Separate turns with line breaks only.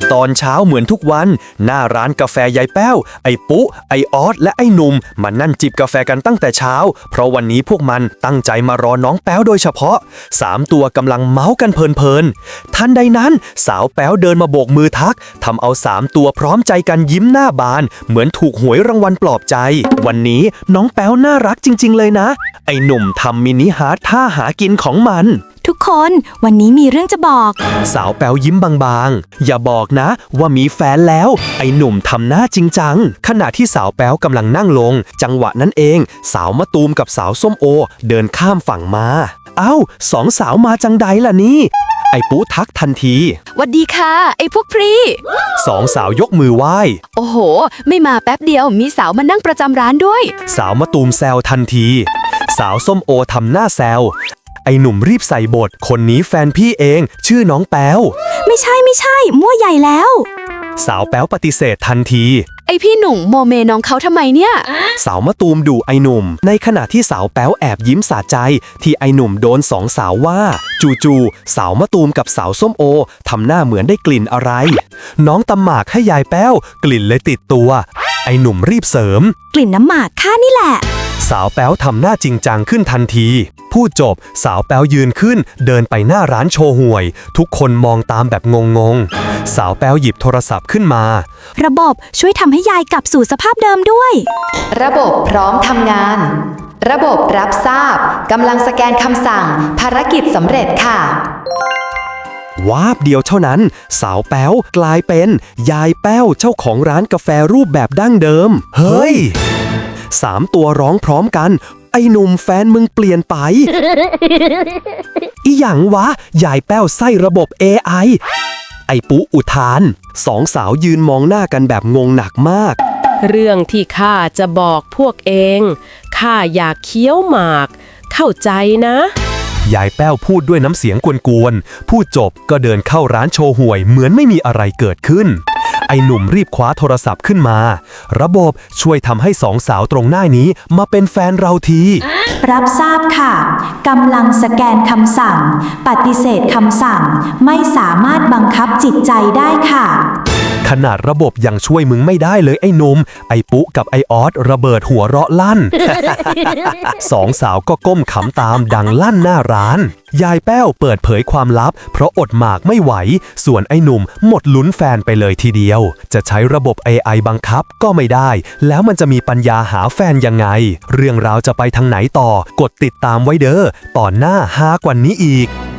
ตอนเช้าเหมือนทุกวันหน้าร้านกาแฟยายแป้วไอ้ปุ๊ไอ้ออสและไอ้หนุ่มมานั่งจิบกาแฟกันตั้งแต่เช้าเพราะวันนี้พวกมันตั้งใจมารอน้องแป้วโดยเฉพาะ3ตัวกำลังเมาส์กันเพลินๆทันใดนั้นสาวแป้วเดินมาโบกมือทักทำเอา3ตัวพร้อมใจกันยิ้มหน้าบานเหมือนถูกหวยรางวัลปลอบใจวันนี้น้องแป้วน่ารักจริงๆเลยนะไอ้หนุ่มทำมินิฮาร์ทท่าหากินของมัน
ทุกคนวันนี้มีเรื่องจะบอก
สาวแป๋วยิ้มบางๆอย่าบอกนะว่ามีแฟนแล้วไอ้หนุ่มทำหน้าจริงจังขณะที่สาวแป๋วกำลังนั่งลงจังหวะนั้นเองสาวมะตูมกับสาวส้มโอเดินข้ามฝั่งมาเอ้า2 สาวมาจังใดล่ะนี่ไอ้ปุ๊ทักทันที
หวัดดีค่ะไอ้พวกพรี
2 สาวยกมือไหว้
โอ้โหไม่มาแป๊บเดียวมีสาวมานั่งประจำร้านด้วย
สาวมะตูมแซวทันทีสาวส้มโอทำหน้าแซวไอ้หนุ่มรีบใส่บทคนนี้แฟนพี่เองชื่อน้องแป๋ว
ไม่ใช่มั่วใหญ่แล้ว
สาวแป๋วปฏิเสธทันที
ไอพี่หนุ่มโมเมน้องเขาทำไมเนี่ย
สาวมะตูมดุไอหนุ่มในขณะที่สาวแป๋วแอบยิ้มสะใจที่ไอหนุ่มโดน2 สาวว่าจู่ๆสาวมะตูมกับสาวส้มโอทำหน้าเหมือนได้กลิ่นอะไรน้องตำหมากให้ยายแป้วกลิ่นเลยติดตัวไอหนุ่มรีบเสริม
กลิ่นน้ำหมากข้านี่แหละ
สาวแป๋วทำหน้าจริงจังขึ้นทันทีพูดจบสาวแป๋วยืนขึ้นเดินไปหน้าร้านโชห่วยทุกคนมองตามแบบงงๆสาวแป๋วหยิบโทรศัพท์ขึ้นมา
ระบบช่วยทำให้ยายกลับสู่สภาพเดิมด้วย
ระบบพร้อมทำงานระบบรับทราบกำลังสแกนคำสั่งภารกิจสำเร็จค่ะ
วาบเดียวเท่านั้นสาวแป๋วกลายเป็นยายแป้วเจ้าของร้านกาแฟรูปแบบดั้งเดิมเฮ้ย3 ตัวร้องพร้อมกันไอ้หนุ่มแฟนมึงเปลี่ยนไปอีหยังวะยายแป้วไส้ระบบ AI ไอ้ปุ๊อุทาน2 สาวยืนมองหน้ากันแบบงงหนักมาก
เรื่องที่ข้าจะบอกพวกเองข้าอยากเคี้ยวหมากเข้าใจนะ
ยายแป้วพูดด้วยน้ำเสียงกวนๆพูดจบก็เดินเข้าร้านโชห่วยเหมือนไม่มีอะไรเกิดขึ้นไอ้หนุ่มรีบคว้าโทรศัพท์ขึ้นมาระบบช่วยทำให้2 สาวตรงหน้านี้มาเป็นแฟนเราที
รับทราบค่ะกำลังสแกนคำสั่งปฏิเสธคำสั่งไม่สามารถบังคับจิตใจได้ค่ะ
ขนาดระบบยังช่วยมึงไม่ได้เลยไอ้หนุ่มไอ้ปุ๊กับไอ้ออสระเบิดหัวเราะลั่น 2 สาวก็ก้มขำตามดังลั่นหน้าร้านยายแป้วเปิดเผยความลับเพราะอดหมากไม่ไหวส่วนไอ้หนุ่มหมดลุ้นแฟนไปเลยทีเดียวจะใช้ระบบ AI บังคับก็ไม่ได้แล้วมันจะมีปัญญาหาแฟนยังไงเรื่องราวจะไปทางไหนต่อกดติดตามไว้เด้อตอนหน้าฮากว่านี้อีก